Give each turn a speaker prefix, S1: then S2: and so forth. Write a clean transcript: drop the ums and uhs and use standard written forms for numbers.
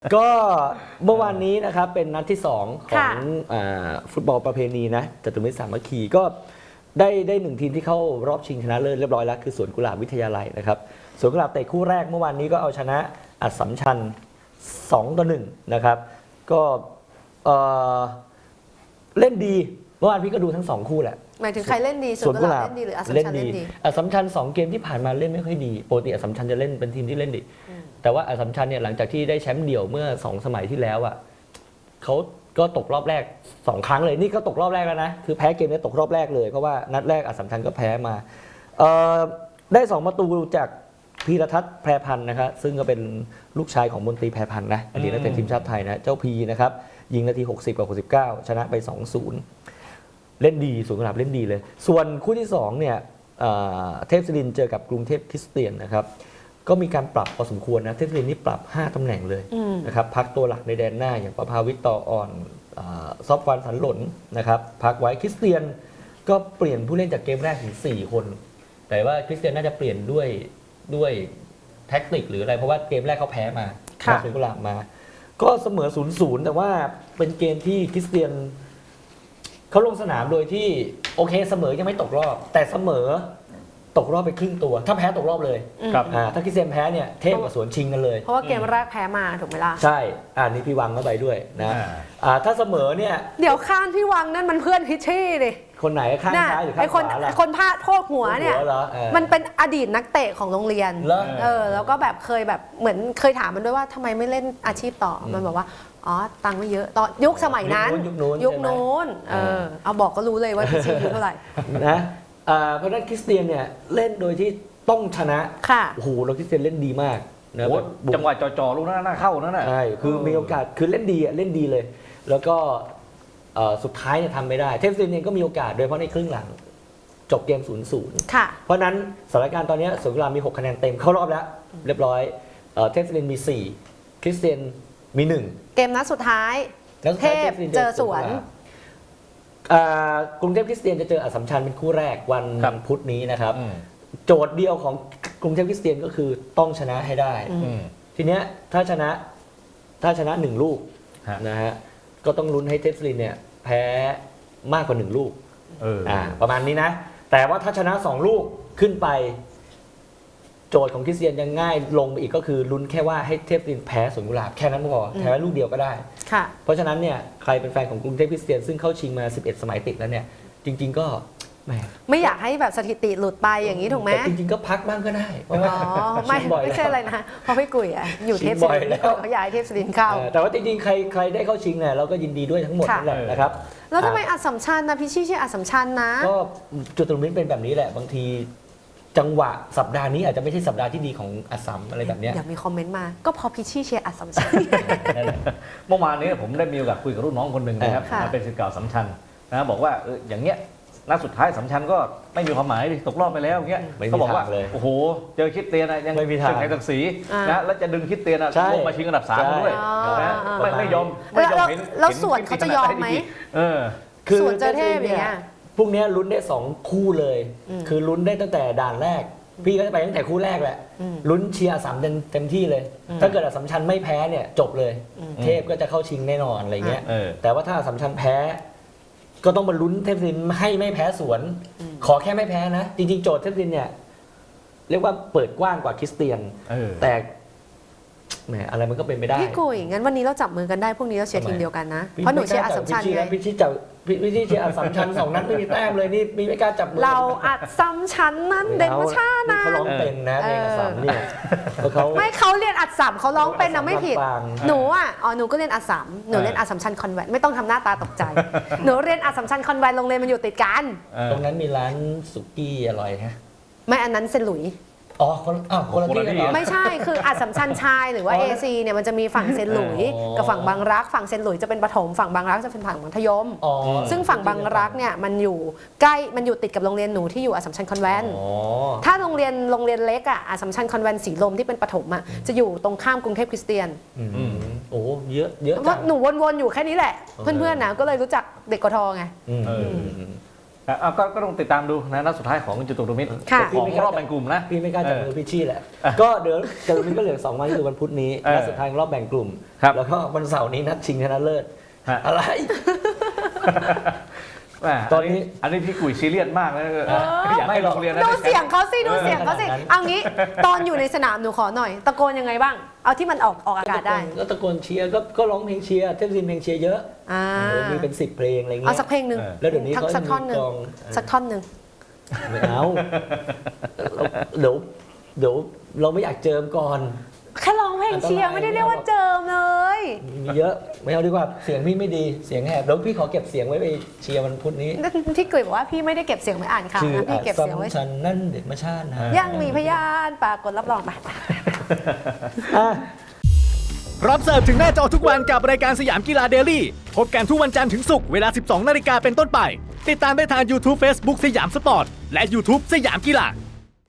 S1: ก็เมื่อวานนี้นะครับเป็นนัดที่ 2 ของฟุตบอลประเพณีนะจตุรมิตรสามัคคีก็ได้หนึ่งทีมที่เข้ารอบชิงชนะเลิศเรียบร้อยแล้วคือสวนกุหลาบวิทยาลัยนะครับสวนกุหลาบเตะคู่แรกเมื่อวานนี้ก็เอาชนะอัสสัมชัญ2-1นะครับก็เล่นดีเมื่อวานพี่ก็ดูทั้ง2คู่แหละ
S2: หมายถึงใครเล่นดีสวนกุหลาบเล่นดีหรืออัสสัมชัญเล่นดี
S1: อัสสัมชัญ2 เกมที่ผ่านมาเล่นไม่ค่อยดีปกติอัสสัมชัญจะเล่นเป็นทีมที่เล่นดีแต่ว่าอัสสัมชัญเนี่ยหลังจากที่ได้แชมป์เดี่ยวเมื่อ2 สมัยที่แล้วอ่ะเขาก็ตกรอบแรก2 ครั้งเลยนี่ก็ตกรอบแรกแล้วนะคือแพ้เกมนี้ตกรอบแรกเลยเพราะว่านัดแรกอัสสัมชัญก็แพ้มาได้2 ประตูจากพีรทัศน์แพรพันธ์นะครับซึ่งก็เป็นลูกชายของมนตรีแพรพันธ์นะอดีตนักเตะทีมชาติไทยนะเจ้าพีนะครับยิงนาที60กับ69ชนะไป 2-0 เล่นดีสวนกุหลาบเล่นดีเลยส่วนคู่ที่2เนี่ยเทพศิรินทร์เจอกับกรุงเทพคริสเตียนนะครับก็มีการปรับพอสมควรนะเทพศิรินทร์นี่ปรับ5 ตำแหน่งเลยนะครับพักตัวหลักในแดนหน้าอย่างประภาวิทย์ต่ออ่อนซอฟวันสันหล่นนะครับพักไว้คริสเตียนก็เปลี่ยนผู้เล่นจากเกมแรกถึง4 คนแต่ว่าคริสเตียนน่าจะเปลี่ยนด้วยแท็กติกหรืออะไรเพราะว่าเกมแรกเขาแพ้มาสวนกุหลาบมาก็เสมอ 0-0 แต่ว่าเป็นเกมที่คริสเตียนเขาลงสนามโดยที่โอเคเสมอยังไม่ตกรอบแต่เสมอตกรอบไปครึ่งตัวถ้าแพ้ตกรอบเลย
S2: ครับ
S1: ถ้าคริสเตียนแพ้เนี่ยเทพกับสวนชิงกันเลย
S2: เพราะว่าเกมแรกแพ้มาถูกไหมล่ะ
S1: ใช่นี่พี่วังเข้าไปด้วยนะถ้าเสมอเนี่ย
S2: เดี๋ยวข้างพี่วังนั่นมันเพื่อนพิชชี่ดิ
S1: คนไหนข้างซ้ายหรือข้างขวาล่ะ
S2: คนพลาดโทษหัวเนี่ยมันเป็นอดีตนักเตะของโรงเรียนแล้วก็แบบเคยแบบเหมือนเคยถามมันด้วยว่าทำไมไม่เล่นอาชีพต่อมันบอกว่าอ๋อตังค์ไม่เยอะตอนยุคสมัยนั้นยุคนู้นเอาบอกก็รู้เลยว่าพิชชี่อายุเท่าไหร่
S1: นะเพราะฉะนั้นคริสเตียนเนี่ยเล่นโดยที่ต้องชนะโอ้โหเราคริสเตียนเล่นดีมาก
S3: นะจังหวะจ่อๆลูกนั้นน่าเข้านั่นน่ะ
S1: ใช่คือมีโอกาสคือเล่นดีเลยแล้วก็สุดท้ายเนี่ยทำไม่ได้เทพศิรินทร์เองก็มีโอกาสโดยเฉพาะในครึ่งหลังจบเกม 0-0 เพราะนั้นสถานการณ์ตอนนี้สวนกุหลาบมี6 คะแนนเต็มเข้ารอบแล้วเรียบร้อยเทพศิรินทร์มี4คริสเตียนมี1
S2: เกมนัดสุดท้ายเทพเจอสวน
S1: กรุงเทพคริสเตียนจะเจออัสสัมชัญเป็นคู่แรกวันพุธนี้นะครับโจทย์เดียวของกรุงเทพคริสเตียนก็คือต้องชนะให้ได้ทีเนี้ยถ้าชนะ1 ลูกนะฮะก็ต้องลุ้นให้เทพศิรินทร์เนี่ยแพ้มากกว่า1 ลูกประมาณนี้นะแต่ว่าถ้าชนะ2 ลูกขึ้นไปโจทย์ของคริสเตียนยังง่ายลงไปอีกก็คือลุ้นแค่ว่าให้เทพศิรินทร์แพ้สวนกุหลาบแค่นั้นพอแพ้ลูกเดียวก็ได้เพราะฉะนั้นเนี่ยใครเป็นแฟนของกรุงเทพคริสเตียนซึ่งเข้าชิงมา11 สมัยติดแล้วเนี่ยจริงๆก็
S2: ไม่อยากให้แบบสถิติหลุดไปอย่างนี้ถูกไหม
S1: แต่จริงๆก็พักบ้างก็ได้เพราะว่า
S2: ไม่ใช่อะไรนะเพราะพี่กุ๋ยอยู่เทพศิรินทร์เขาอยากให้เทพศิรินทร์เข้า
S1: แต่ว่าจริงๆใครได้เข้าชิงเนี่ยเราก็ยินดีด้วยทั้งหมดนั่นแหละนะครับ
S2: แล้วทำไมอัสสัมชัญนะพี่ชี่ชื่ออัสสัมชัญนะ
S1: ก็จุดตรงนี้เป็นแบบนี้แหละบางทีจังหวะสัปดาห์นี้อาจจะไม่ใช่สัปดาห์ที่ดีของอัสสัมอะไรแบบนี้
S2: เดี๋ยวมีคอมเมนต์มาก็พอพิชชี่เชียร์อัสสัมชัญ
S3: เมื่อวานนี้ผมได้มีโอกาสคุยกับรุ่นน้องคนหนึ่งนะครับเป็นศิษย์เก่าอัสสัมชัญนะบอกว่าอย่างเงี้ยนัดสุดท้ายอัสสัมชัญก็ไม่มีความหมายตกรอบไปแล้วอย่างเงี้ยเขาบอกว่าโอ้โหเจอคริสเตียนยัง
S1: ไม่มีทาง
S3: ไทยศักดิ์ศรีนะแล้วจะดึงคริสเตียนลงมาชิงอันดับ3ด้วยนะไม่ยอม
S2: แล้วส่วนเขาจะยอมไหม
S1: คือ
S2: ส่วนเจอเทพอย่างเงี้ย
S1: พวกนี้ลุ้นได้2 คู่เลยคือลุ้นได้ตั้งแต่ด่านแรกพี่ก็จะไปตั้งแต่คู่แรกแหละลุ้นเชียร์อัสสัมเต็มที่เลยถ้าเกิดอัสสัมชัญไม่แพ้เนี่ยจบเลยเทพก็จะเข้าชิงแน่นอนอะไรเงี้ยแต่ว่าถ้าอัสสัมชัญแพ้ก็ต้องมาลุ้นเทพศิรินทร์ให้ไม่แพ้สวนขอแค่ไม่แพ้นะจริงๆโจทย์เทพศิรินทร์เนี่ยเรียกว่าเปิดกว้างกว่าคริสเตียนแต่แหมอะไรมันก็เป็นไม่ได้
S2: พี่กุ๋ยงั้นวันนี้เราจับมือกันได้พรุ่งนี้เราเชียร์ทีมเดียวกันนะเพราะหนูเชียร์อัสสัมชัญไง
S1: พี่ชี้เชียร์อัสสัมชัญ2 นัดไม่มีแต้มเลยนี่ไม่กล้าจับมือ
S2: เราอัสสัมชัญนั้นเด่นมาชานะ
S1: เขาร้องเป็นนะเพลงอัสสัมเนี่ย
S2: เขาเรียนอัสสัมเขาร้องเป็นนะไม่ผิดหนูหนูก็เรียนอัสสัมหนูเรียนอัสสัมชัญคอนแวนต์ไม่ต้องทำหน้าตาตกใจหนูเรียนอัสสัมชัญคอนแวนต์โรงเรียนมันอยู่ติดกัน
S1: ตรงนั้นมีร้านสุกี้อร่อยฮะ
S2: ไม่อันนั้นเซนหลุย
S1: คนละที่
S2: ไม่ใช่คืออัสสัมชัญชายหรือว่า AC เนี่ยมันจะมีฝั่งเซนหลุยกับฝั่งบางรักฝั่งเซนหลุยจะเป็นประถมฝั่งบางรักจะเป็นฝั่งมัธยมซึ่งฝั่งบางรักเนี่ยมันอยู่ติดกับโรงเรียนหนูที่อยู่อัสสัมชัญคอนแวนต์ถ้าโรงเรียนเล็กอัสสัมชัญคอนแวนต์สีลมที่เป็นประถมจะอยู่ตรงข้ามกรุงเทพคริสเตียน
S1: โอ้เยอะ
S2: เพราะหนูวนๆอยู่แค่นี้แหละเพื่อนๆนะก็เลยรู้จักเด็กกทไง
S3: ก็ต้องติดตามดูนะนัดสุดท้ายของจตุรมิตร
S2: ค่ะ
S3: ของรอบแบ่งกลุ่มนะ
S1: พี่ไม่กล้าจับมือพี่ชี่แหละ ก็เดี๋ยวจตุรมิตรก็เหลือ2 วันคือวันพุธนี้นัดสุดท้ายของรอบแบ่งกลุ่ม
S3: ครับ
S1: แล้วก็วันเสาร์นี้นัดชิงชนะเลิศ
S3: ฮะ
S1: อะไร
S3: แหม่
S1: ตอนนี้
S3: อันนี้พี่กุยซีเรียสมากนะอยากให้โรงเรียนนั้น
S2: ดู
S3: ได้แชมป์
S2: เสียงเขาสิดูเสียงเขาสิ
S1: ขนาดนั้น
S2: เอางี้ตอนอยู่ในสนามหนูขอหน่อย ตะโกนยังไงบ้าง เอาที่มันออกอากาศได้
S1: ก็ตะโกนเชียร์ก็ร้องเพลงเชียร์เทพซินเพลงเชียร์เยอะ
S2: อ่า
S1: มีเป็น10 เพลงอะไรเงี้
S2: เอา
S1: ย
S2: สักเพลงหนึ่ง
S1: แล้วเดี๋ยวนี้เขา
S2: สักท่อนหนึ่ง
S1: มีกลอง
S2: สักท่อนหนึ่ง
S1: ไม่เอาเดี๋ยวเราไม่อยากเจิมก่อน
S2: แค่ร้องเพลงเชียร์
S1: อันตราย
S2: ไม่ได้เรียกว่าเจิมเลย
S1: มีเยอะไม่เอาดีกว่าเสียงพี่ไม่ดีเสียงแหบแล้วพี่ขอเก็บเสียงไว้ไปเชียร์วันพุธนี้
S2: ที่กุยบอกว่าพี่ไม่ได้เก็บเสียงไว้อ่านข่าว
S1: ชื่อ
S2: นะพี่เก็บเสียงไว้
S1: ฉันนั่นเด็กมาชาตินะ
S2: ยังมีพยานปรากฏรับรองไป
S4: พร้อมเสิร์ฟถึงหน้าจอทุกวันกับรายการสยามกีฬาเดลี่พบกันทุกวันจันทร์ถึงศุกร์เวลา 12 นาฬิกาเป็นต้นไป ติดตามได้ทาง YouTube Facebook สยามสปอร์ต และ YouTube สยามกีฬา